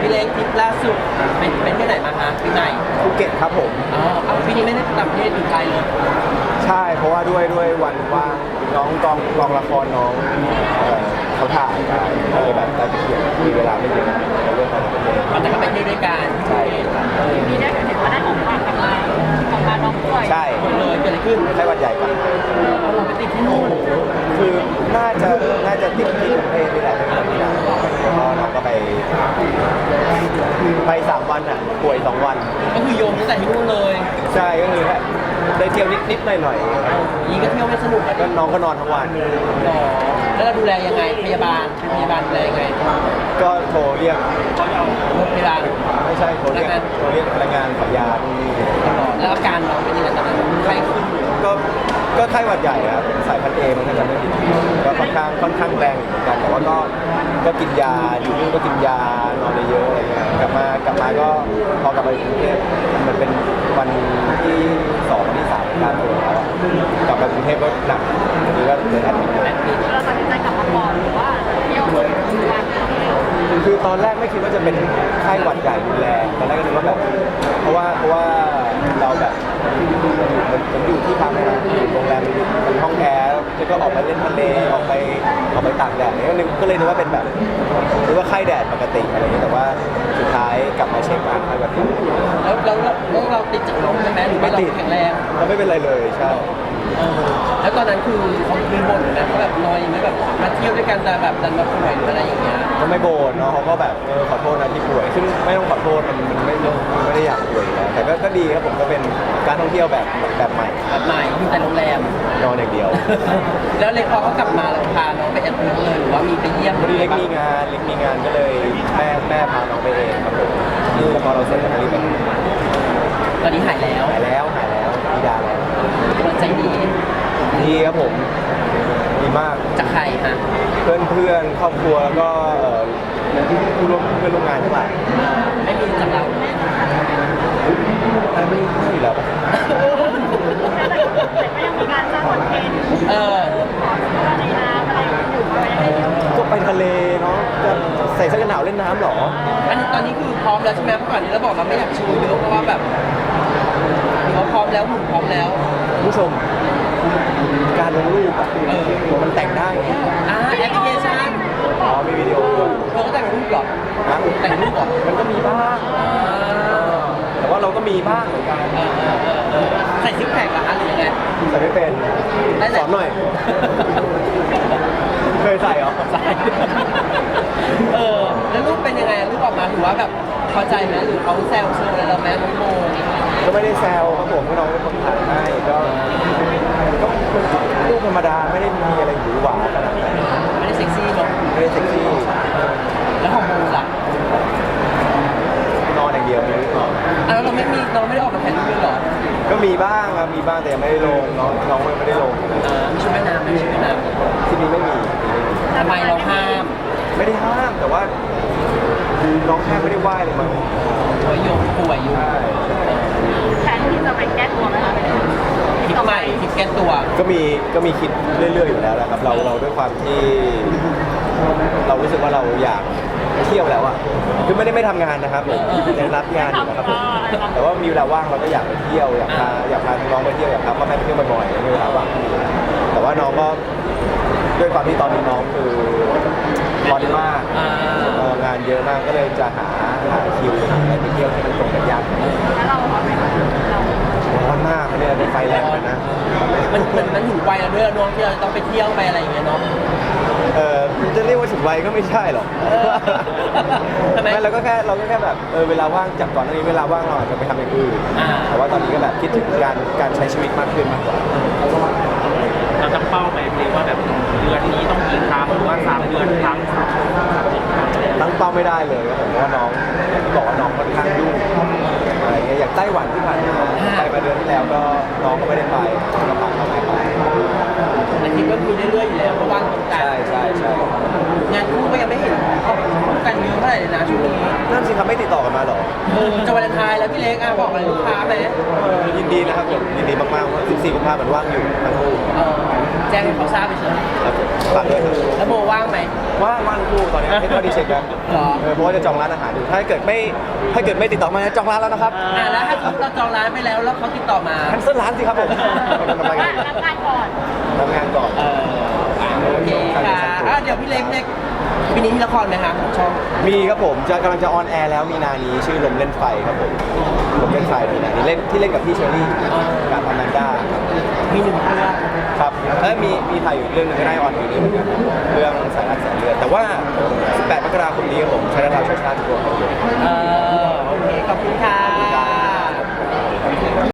พี่เล็กทริปล่าสุดเป็นที่ไหนมาคะปีไหนภูเก็ตครับผมอ๋อเอาปีนี้ไม่ได้ต่างประเทศอยู่ไกลเลยใช่เพราะว่าด้วยวันว่างน้องกองละครน้องเขาถ่ายกันก็เลยแบบได้ไปเขียนมีเวลาไม่เยอะในเรื่องของประเทศแต่ก็ไปเที่ยวด้วยกันใช่ครับมีได้เห็นว่าได้ของฝากกลับมาน้องป่วยใช่หมดเลยเกิดอะไรขึ้นไข้หวัดใหญ่ก่อนเราไปติดที่นู่นคือน่าจะติดที่กรุงเทพนี่แหละที่นั่นแล้วก็น้องก็ไป3 วันอ่ะป่วย2 วันก็คือโยมตั้งแต่ที่นู่นเลยใช่ก็คือได้เที่ยวนิดหน่อยนี่ก็เที่ยวไม่สนุกก็น้องก็นอนทั้งวันแล้วเราดูแลยังไงพยาบาลดูแลยังไงก็โทรเรียกพยาบาลไม่ใช่โทรเรียกพนักงานขายยาแล้วอาการเราเป็นยังไงตอนนั้นไข้ขึ้นก็ไข้หวัดใหญ่ครับสายพันธุ์เอมันก็จะไม่ผิดก็ค่อนข้างแรงเหมือนกันแต่ว่าก็กินยาอยู่นู่นก็กินยานอนเยอะอะไรเงี้ยกลับมาก็พอกลับไปกรุงเทพมันเป็นวันที่2วันที่3การตรวจแล้วกลับไปกรุงเทพก็หนักนี่ก็เลยแอดมิทเราตัดสินใจกลับมาก่อนหรือว่าเที่ยววันคือตอนแรกไม่คิดว่าจะเป็นไข้หวัดใหญ่รุนแรงตอนแรกก็นึกว่าแบบเพราะว่าเราแบบมันอยู่ที่พักนะโรงแรมมันห้องแอร์แล้วก็ออกไปเล่นทะเลออกไปตากแดดนี่ก็เลยนึกว่าเป็นแบบนึกว่าไข้แดดปกติอะไรอย่างเงี้ยแต่ว่าสุดท้ายกลับมาเช็คมาไข้หวัดใหญ่แล้วเราติดจากลมใช่ไหมหรือไม่ติดแข็งแรงเราไม่เป็นไรเลยใช่แล้วตอนนั้นคือเขามีบ่นนะเขาแบบนอยไม่แบบมาเที่ยวด้วยกันแต่แบบดันมาป่วยหรืออะไรอย่างเงี้ยก็ไม่บ่นเนาะเขาก็แบบขอโทษนะที่ป่วยซึ่งไม่ต้องขอโทษมันไม่ได้อยากป่วยแล้วแต่ก็ดีครับผมก็เป็นการท่องเที่ยวแบบใหม่อยู่แต่โรงแรมนอนอย่างเดียวแล้วเล็กพอเขากลับมาเราพาน้องไปแอดมิทเลยหรือว่ามีไปเยี่ยมเล็กมีงานก็เลยแม่พาน้องไปเองครับผมแล้วพอเราเสร็จแล้วก็รีบไปตอนนี้หายแล้วดีดาแล้วกำลังใจดีครับผมดีมากจากใครฮะเพื่อนครอบครัวแล้วก็ผู้ร่วมงานทั้งหลายไม่มีจากเราไม่อยู่แล้วแต่ก็ยังมีการสร้างคอนเทนต์ในน้ำอะไรอยู่ก็ไปทะเลเนาะจะใส่เสื้อกันหนาวเล่นน้ำหรออันนี้ตอนนี้คือพร้อมแล้วใช่ไหมเมื่อก่อนนี้เราบอกเราไม่อยากโชว์เยอะเพราะว่าแบบเราพร้อมแล้วหุ่นพร้อมแล้วผู้ชมการลงรูปอ่ะมันแต่งได้แอปพลิเคชันมีวิดีโอเราก็แต่งรูปหรอแต่งรูปหรอมันก็มีบ้างแต่ว่าเราก็มีบ้างเหมือนกันใส่ซิปแพคหรือยังไงใส่ไม่เป็นสอนหน่อยเคยใส่เหรอใส่แล้วรูปเป็นยังไงรูปออกมาถือว่าแบบพอใจไหมหรือเขาแซวอะไรเราไหมน้องโมก็ไม่ได้แซวครับผมก็น้องเป็นคนถ่ายให้ก็รูปธรรมดาไม่ได้มีอะไรหวือหวาขนาดนั้นไม่ได้เซ็กซี่หรอกไม่ได้เซ็กซี่แล้วของโมล่ะนอนอย่างเดียวไม่ได้นอนแล้วเราไม่ได้ออกมาถ่ายรูปเลยหรอก็มีบ้างครับมีบ้างแต่ยังไม่ได้ลงน้องไม่ได้ลงมีชุดว่ายน้ำที่นี้ไม่มีทำไมเราห้ามไม่ได้ห้ามแต่ว่าน้องแค่ไม่ได้ไหว้เลยมั้งป่วยอยู่แทนที่จะไปแก้ตัวไหมคะคิดใหม่คิดแก้ตัวก็มีคิดเรื่อยๆอยู่แล้วนะครับเราด้วยความที่เรารู้สึกว่าเราอยากเที่ยวแล้วอ่ะคือไม่ทำงานนะครับยังรับงานอยู่นะครับแต่ว่ามีเวลาว่างเราก็อยากไปเที่ยวอยากพาน้องไปเที่ยวอยากพาพ่อแม่ไปเที่ยวบ่อยๆมีเวลาว่างแต่ว่าน้องก็ด้วยความที่ตอนนี้น้องคือร้อนมากงานเยอะมากก็เลยจะหาคิวอะไรไปเที่ยวที่มันตรงกันยากแล้วเราร้อนไหมคะร้อนมากเนี่ยเป็นไฟแรงเลยนะมันถึงวัยแล้วด้วยน้องที่เราต้องไปเที่ยวไปอะไรอย่างเงี้ยเนาะจะเรียกว่าถึงวัยก็ไม่ใช่หรอกไม่เราก็แค่แบบเวลาว่างจากก่อนหน้านี้เวลาว่างเราอาจจะไปทำอย่างอื่นแต่ว่าตอนนี้ก็แบบคิดถึงการใช้ชีวิตมากขึ้นมากกว่าเราตั้งเป้าไหมเรียกว่าแบบเดือนนี้ต้องกี่ครั้งหรือว่า3 เดือนครั้งตั้งเป้าไม่ได้เลยครับผมเพราะว่าน้องบอกว่าน้องค่อนข้างยุ่งอะไรเงี้ยอย่างไต้หวันที่ผ่านมาไปเดือนที่แล้วก็น้องก็ไม่ได้ไปก็พาเขาไปแต่คิดว่ามีเรื่อยๆอยู่แล้วเพราะว่าใช่งานคู่ก็ยังไม่เห็นกันเยอะเท่าไหร่เลยนะช่วงนี้นั่นสิครับไม่ติดต่อกันมาหรอจะวาเลนไทน์แล้วพี่เล็กบอกอะไรลูกค้าไหมยินดีนะครับผมยินดีมากๆว่า14 กุมภาพันธ์มันว่างอยู่ทั้งคู่แจ้งให้เขาทราบไปเฉยฝากด้วยครับแล้วโมว่างไหมว่างคู่ตอนนี้ให้เขาดีเช็คกันเหรอเพราะว่าจะจองร้านอาหารอยู่ถ้าเกิดไม่ติดต่อมาจองร้านแล้วนะครับแล้วถ้าสมมติเราจองร้านไปแล้วเขาติดต่อมาแคนเซิลร้านสิครับผมทำไมว่ารับงานก่อนทำงานก่อนโอเคค่ะเดี๋ยวพี่เล็กปีนี้มีละครไหมคะของช่องมีครับผมกำลังจะออนแอร์แล้วมีนานี้ชื่อลมเล่นไฟครับผมลมเล่นไฟมีนานี้เล่นที่เล่นกับพี่เชอรี่กับอแมนด้ามี1 เรื่องครับมีถ่ายอยู่เรื่องหนึงก็ได้ออนปีนี้เหมือนกันเรื่องสายรักแสนเลือดแต่ว่า 18 มกราคมนี้ครับผมใช้ดาวช่วยชาติตัวครับโอเคขอบคุณค่ะ